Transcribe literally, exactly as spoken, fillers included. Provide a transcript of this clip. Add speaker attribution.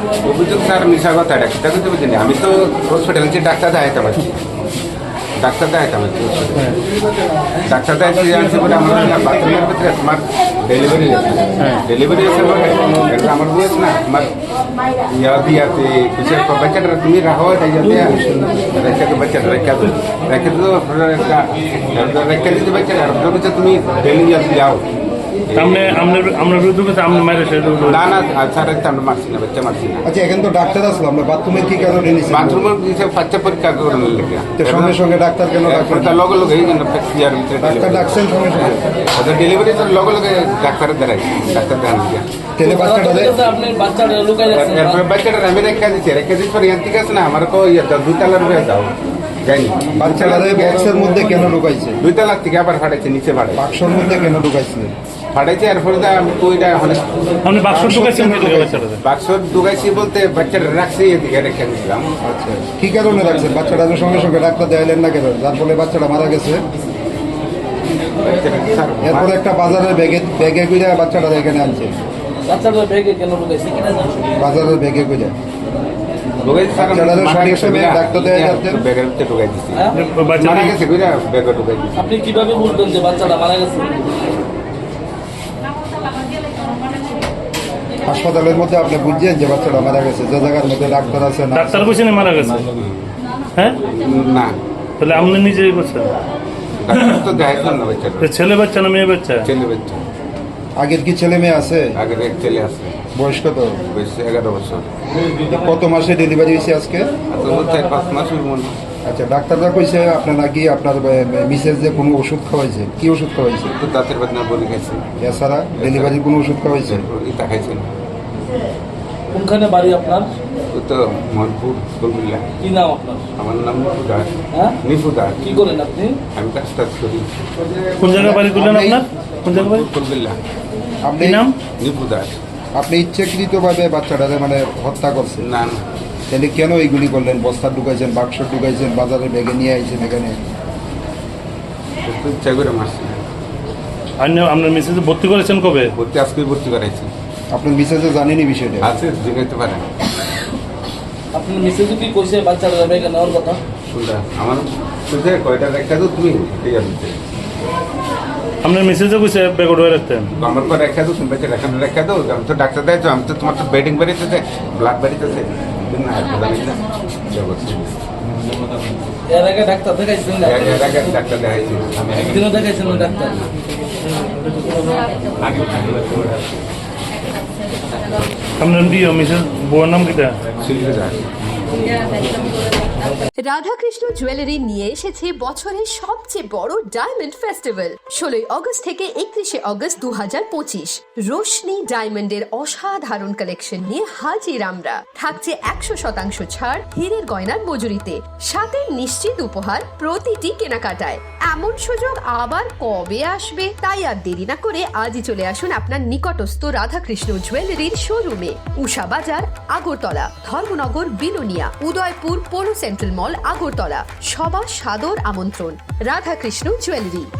Speaker 1: অভিযোগ স্যার মিশা কথা এটা সেটা কিন্তু বুঝিনি আমি তো হসপিটাল যে ডাক্তার দেখাইতে পারছি ডাক্তার দেখাইতে পারছি ডাক্তার দেখাইতে জানছি বলে আমার বাথরুমের ভিতরে তোমার ডেলিভারি আছে ডেলিভারি আছে বলে এটা আমার বয়স না আমার ইয়া দিয়াতে কিছু বাচ্চাটা তুমি রাখো তাই যাতে রেখে তো বাচ্চাটা রেখে তো রেখে তো একটা রেখে দিতে বাচ্চাটা আর তুমি ডেলি যাও
Speaker 2: সামনে আমরা আমরা বিরুদ্ধে আমরা মাইরে সেটা
Speaker 1: না না স্যার আমরা মারছি না বাচ্চা মারছি না
Speaker 3: আচ্ছা এখন তো ডাক্তার আসলো আমরা বাথরুমের কি কারণে নিয়েছি
Speaker 1: বাথরুমের কিছু বাচ্চা পরীক্ষা করার লেগে
Speaker 3: তো সঙ্গে সঙ্গে ডাক্তার কেন ডাক্তার
Speaker 1: তার লগে লগে এই জন্য ইয়ার ভিতরে
Speaker 3: ডাক্তার ডাকছেন সঙ্গে সঙ্গে
Speaker 1: ওদের ডেলিভারি তো লগে লগে ডাক্তারের দ্বারাই ডাক্তার দেখান গিয়া
Speaker 3: তেলে বাচ্চাটা দেয়
Speaker 4: আপনি বাচ্চাটা লুকাই রাখছেন
Speaker 1: এরপরে বাচ্চাটা আমি রেখে দিচ্ছি রেখে দিচ্ছি পরে ইয়ান ঠিক আছে না আমার তো ইয়ে দুই তালার হয়ে যাও যাইনি
Speaker 3: বাচ্চাটা বক্সের মধ্যে কেন ঢুকাইছে
Speaker 1: দুই তালার থেকে আবার ফাটাইছে নিচে ফাটাই
Speaker 3: বাক্সর মধ্যে কেন ঢুকাইছে
Speaker 1: ফাটাইছে এরপরে আমি তো ওইটা এখন
Speaker 2: আপনি বাক্স ঢুকাইছেন কি করে বাচ্চাটা
Speaker 1: বাক্স ঢুকাইছি বলতে বাচ্চাটা রাখছি এদিকে রেখে দিয়েছিলাম
Speaker 3: আচ্ছা কি কারণে রাখছেন বাচ্চাটা তো সঙ্গে সঙ্গে ডাক্তার দেখাইলেন না কেন যার ফলে বাচ্চাটা মারা গেছে এরপরে একটা বাজারের ব্যাগে ব্যাগে করে বাচ্চাটা এখানে আনছে
Speaker 4: বাচ্চাটা ব্যাগে কেন লুকাইছে কিনা জানেন
Speaker 3: বাজারের ব্যাগে করে
Speaker 1: ঢুকাইছি স্যার
Speaker 3: বাচ্চাটাকে সঙ্গে সঙ্গে ডাক্তার দেখাই যাচ্ছেন
Speaker 1: ব্যাগের ভিতরে ঢুকাই দিচ্ছি
Speaker 4: হ্যাঁ?
Speaker 1: মারা গেছে বুঝা ব্যাগে ঢুকাই দিচ্ছি
Speaker 4: আপনি কিভাবে বুঝবেন যে বাচ্চাটা মারা গেছে
Speaker 3: হাসপাতালের মধ্যে আপনি বুঝছেন যে বাচ্চাটা মারা গেছে যে জায়গার মধ্যে ডাক্তার আছে না
Speaker 2: ডাক্তার কইছেন মারা গেছে হ্যাঁ
Speaker 1: না
Speaker 2: তাহলে আপনি নিজেই করছেন
Speaker 1: ডাক্তার তো দেখাইছিলাম না বাচ্চাটা
Speaker 2: তো ছেলে বাচ্চা না মেয়ে বাচ্চা
Speaker 1: ছেলে বাচ্চা
Speaker 3: আগের কি ছেলে মেয়ে আছে
Speaker 1: আগের এক ছেলে আছে
Speaker 3: বয়স কত
Speaker 1: বয়স এগারো বছর
Speaker 3: কত মাসে ডেলিভারি হয়েছে আজকে
Speaker 1: আর তো চার পাঁচ মাস হইব মনে হয়।
Speaker 3: আচ্ছা ডাক্তাররা কইছে আপনার নাকি আপনার মিসেস যে কোনো ওষুধ খাওয়াইছে কি ওষুধ খাওয়াইছে
Speaker 1: তো দাঁতের বেদনা বলে গেছে
Speaker 3: এছাড়া ডেলিভারির কোনো ওষুধ খাওয়াইছে
Speaker 1: ইটা খাইছে না
Speaker 4: কোনখানে বাড়ি আপনার
Speaker 1: ও তো মনপুর গোলমিল্লা
Speaker 4: কি নাম আপনার
Speaker 1: আমার নাম নিপু দাস
Speaker 4: হ্যাঁ
Speaker 1: নিপু দাস
Speaker 4: কি করেন আপনি
Speaker 1: আমি কাজ টাজ করি
Speaker 2: কোন জায়গায় বাড়ি করলেন আপনার কোন জায়গায় বাড়ি
Speaker 1: গোলমিল্লা
Speaker 3: আপনি
Speaker 2: কি নাম
Speaker 1: নিপু দাস
Speaker 3: আপনি ইচ্ছাকৃতভাবে বাচ্চাটাকে মানে হত্যা করছেন
Speaker 1: না না
Speaker 3: তাহলে কেন এইগুলি করলেন বস্তা ঢুকাইছেন বাক্স ঢুকাইছেন বাজারে ব্যাগে নিয়ে আইছেন এখানে
Speaker 1: একটু ইচ্ছা করে মারছি
Speaker 2: আপনি আপনার মেসেজে ভর্তি করেছেন কবে
Speaker 1: ভর্তি আজকে ভর্তি করাইছি
Speaker 3: আপনার মিসেসে জানেনি বিষয়টা
Speaker 1: আছে জিগাইতে পারে
Speaker 4: আপনি মেসেজে কি কইছে বাচ্চাটা ব্যাগে নেওয়ার কথা
Speaker 1: শুনটা আমার শুনছে কয়টা রেখা তো তুমি ঠিক আছে
Speaker 2: আপনার মেসেজে কইছে ব্যাগ উঠে রাখতেন
Speaker 1: আমার পর রেখা দো তুমি রেখা রেখা দো আমি তো ডাক্তার দেয় তো আমি তো তোমার তো বেডিং বেরিয়েছে ব্লাড বেরিয়েছে না
Speaker 4: এর আগে ডাক্তার দেখাইছেন না
Speaker 1: ডাক্তার দেখাইছি আমি
Speaker 4: একদিনও দেখাইছেন ওই ডাক্তার
Speaker 2: আপনার বিয়ে মেসেজ বউয়ের নাম কিটা
Speaker 1: শিল্পী দাস
Speaker 5: রাধাকৃষ্ণ জুয়েলারি নিয়ে এসেছে বছরের সবচেয়ে বড় ডায়মন্ড ফেস্টিভ্যাল ষোলোই আগস্ট থেকে একত্রিশে আগস্ট দু হাজার পঁচিশ রোশনি ডায়মন্ডের অসাধারণ কালেকশন নিয়ে হাজির আমরা থাকছে একশো শতাংশ ছাড় হীরের গয়নার মজুরিতে সাথে নিশ্চিত উপহার প্রতিটি কেনাকাটায় এমন সুযোগ আবার কবে আসবে তাই আর দেরি না করে আজই চলে আসুন আপনার নিকটস্থ রাধাকৃষ্ণ জুয়েলারির শোরুমে উষা বাজার আগরতলা ধর্মনগর বিলোনিয়া উদয়পুর পৌর সেন্ট্রাল মল আগরতলা সবার সাদর আমন্ত্রণ রাধাকৃষ্ণ জুয়েলারি।